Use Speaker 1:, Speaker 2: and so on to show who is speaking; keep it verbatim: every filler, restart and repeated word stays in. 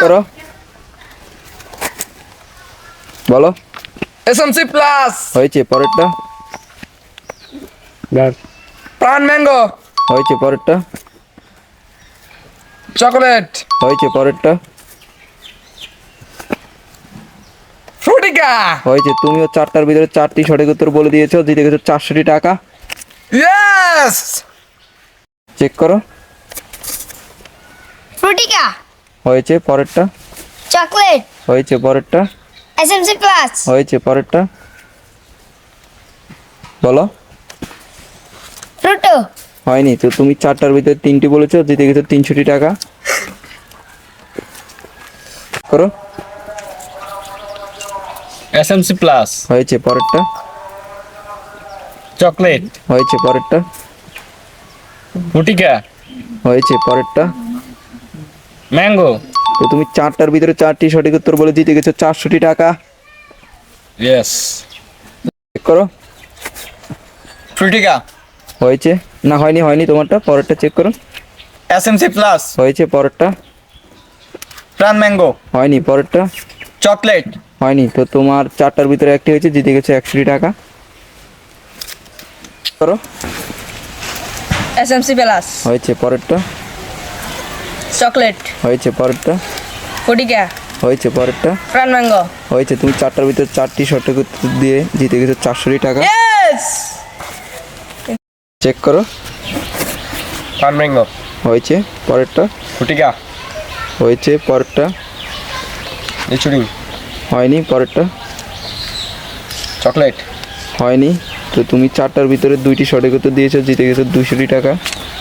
Speaker 1: করো, বলো।
Speaker 2: SMC plus,
Speaker 1: হয়েছে। পরেরটা,
Speaker 2: প্রাণ ম্যাঙ্গো,
Speaker 1: হয়েছে। পরেরটা,
Speaker 2: চকলেট,
Speaker 1: হয়েছে। পরেরটা,
Speaker 2: ফ্রুটিকা।
Speaker 1: হয়েছে। তুমিও চারটার ভিতরে চারটি সঠিক উত্তর বলে দিয়েছো, জিতে গেছো চারশোটি টাকা।
Speaker 2: ইয়েস।
Speaker 1: চেক করো,
Speaker 3: ফ্রুটিকা,
Speaker 1: হয়েছে। পরেরটা,
Speaker 3: চকলেট,
Speaker 1: হয়েছে। পরেরটা,
Speaker 3: এসএমসি প্লাস,
Speaker 1: হয়েছে। পরেরটা, বলো।
Speaker 3: ফ্রুটো,
Speaker 1: হয়নি তো, তুমি চারটার ভিতরে তিনটি বলেছো, জিতে গেছো তিনশোটি টাকা। করো,
Speaker 2: এসএমসি প্লাস,
Speaker 1: হয়েছে। পরেরটা,
Speaker 2: চকলেট,
Speaker 1: হয়েছে। পরেরটা,
Speaker 2: ফ্রুটিকা,
Speaker 1: হয়েছে। পরেরটা,
Speaker 2: ম্যাঙ্গো।
Speaker 1: তো তুমি চারটার ভিতরে চারটি সঠিক উত্তর বলে জিতে গেছো চারশোটি টাকা।
Speaker 2: ইয়েস।
Speaker 1: চেক করো,
Speaker 2: ফ্রুটিকা,
Speaker 1: হয়েছে। না, হয়নি, হয়নি তোমারটা। পরেরটা চেক করো,
Speaker 2: এসএমসি প্লাস,
Speaker 1: হয়েছে। পরেরটা,
Speaker 2: প্রাণ ম্যাঙ্গো,
Speaker 1: হয়নি। পরেরটা,
Speaker 2: চকলেট,
Speaker 1: হয়নি তো, তোমার চারটার ভিতরে একটি হয়েছে, জিতে গেছো একশোটি টাকা। করো,
Speaker 4: এসএমসি প্লাস,
Speaker 1: হয়েছে। পরেরটা,
Speaker 4: চকলেট,
Speaker 1: হয়েছে। পরেরটা,
Speaker 4: ফটিকা,
Speaker 1: হয়েছে। পরেরটা,
Speaker 4: প্রাণ ম্যাঙ্গো।
Speaker 1: হয়েছে। তুমি চারটার ভিতরে চারটি সঠিক উত্তর দিয়ে জিতে গেছো চারশোটি টাকা।
Speaker 4: ইয়েস।
Speaker 1: চেক করো,
Speaker 2: প্রাণ ম্যাঙ্গো,
Speaker 1: হয়েছে। পরেরটা,
Speaker 2: ফ্রুটিকা,
Speaker 1: হয়েছে। পরেরটা,
Speaker 2: লিচুড়ি,
Speaker 1: হয়নি। পরেরটা,
Speaker 2: চকলেট।
Speaker 1: হয়নি তো, তুমি চারটার ভিতরে দুইটি সঠিক উত্তর দিয়েছো, জিতে গেছো দুইশোটি টাকা।